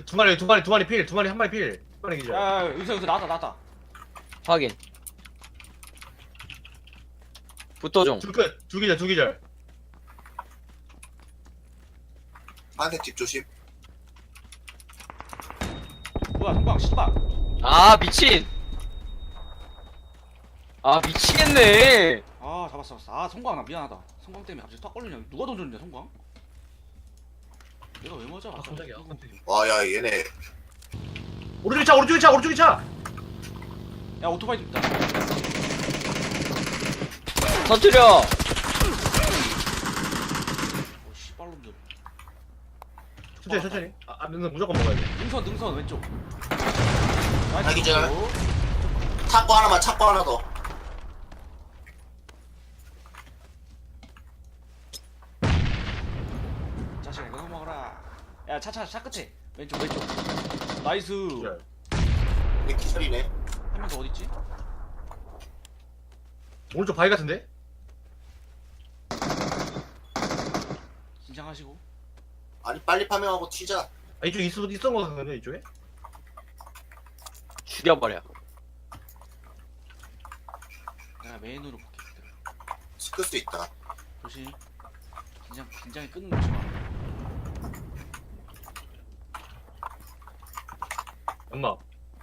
두 마리 한 마리 필. 한 마리 기절. 야 여기서 나왔다. 확인. 붙어 좀. 두 기절. 파란색 집 조심. 뭐야 성광 씨발. 아 미친. 아 미치겠네. 아 잡았어. 아 성광 나 미안하다. 성광 때문에 갑자기 탁 걸리냐. 누가 던졌냐 성광? 내가 왜 맞아? 아 깜짝이야. 와, 야, 얘네. 오른쪽에 차. 야 오토바이 좀 있다. 터뜨려. 오 씨발놈들. 천천히. 너는 무조건 먹어야 돼. 능선 왼쪽. 아, 기절. 창고 하나만, 창고 하나 더. 자식아 이거 먹어라. 야 차 끝에 왼쪽. 나이스. 기절. 얘 기절이네. 한 명 더 어디 있지? 오른쪽 바위 같은데? 긴장하시고. 아니, 빨리 파밍하고 튀자. 아 이쪽에 있었던 거 같은데 이쪽에? 죽여버려. 내가 메인으로 볼게. 시끌 수 있다. 조심. 긴장이 끊는 거 좋아. 엄마.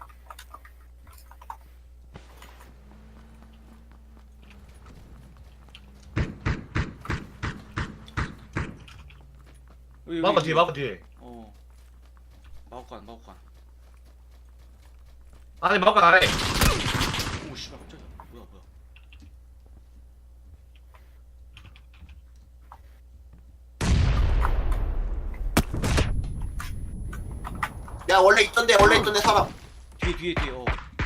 마법 뒤에. 어. 마법관. 아니 마법 안에. 오 씨발 깜짝이야. 뭐야. 야, 원래 있던데 사람. 뒤에 어.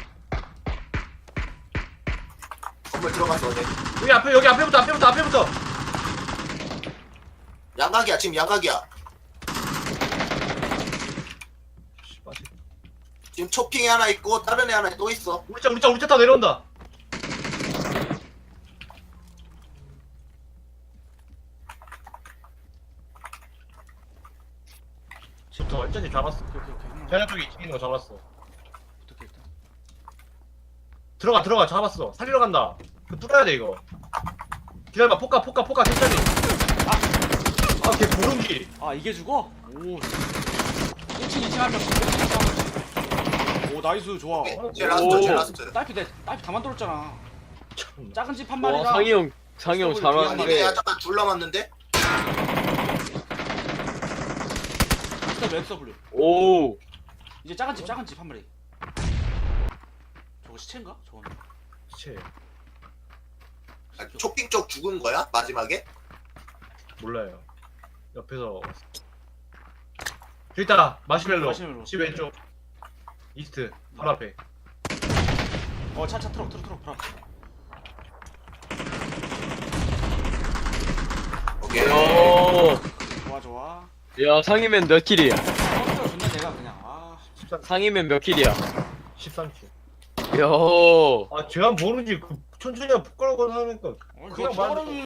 건물 들어갔어, 어제. 여기 앞에부터. 양각이야, 지금 양각이야. 씨발. 지금 초핑에 하나 있고, 다른 애 하나 또 있어. 우리 차 타고 내려온다. 저 완전히 잡았어. 오케이. 자네 쪽에 있는 거 잡았어. 어떻게 일단. 들어가 잡았어. 살리러 간다. 그 뚫어야 돼 이거. 기다려봐. 포카 괜찮니? 걔 보름기. 아 이게 죽어? 오. 1층 2층 한 명씩. 1층 2층 한 명씩. 오 나이스 좋아. 제일 오. 라스트. 딸피 다 만들었잖아. 참. 작은 집 한 와 마리랑. 상희 형 아니, 잘하는데. 내가 잠깐 둘 남았는데? SW. 오. 이제 작은 집 한 마리. 저거 시체인가? 저거는. 체 아, 초핑 쪽 죽은 거야? 마지막에? 몰라요. 옆에서. 저기 있다. 마시멜로. 마시멜로. 집 왼쪽. 이스트. 바로 앞에. 차 트럭 브라. 오케이. 오. 좋아. 야 상이면 몇 킬이야? 컨트롤 존나 내가 그냥 13. 상이면 몇 킬이야? 13킬. 야. 아 제가 모르지. 그 천천히 폭가라고 하니까 그냥 그냥 말.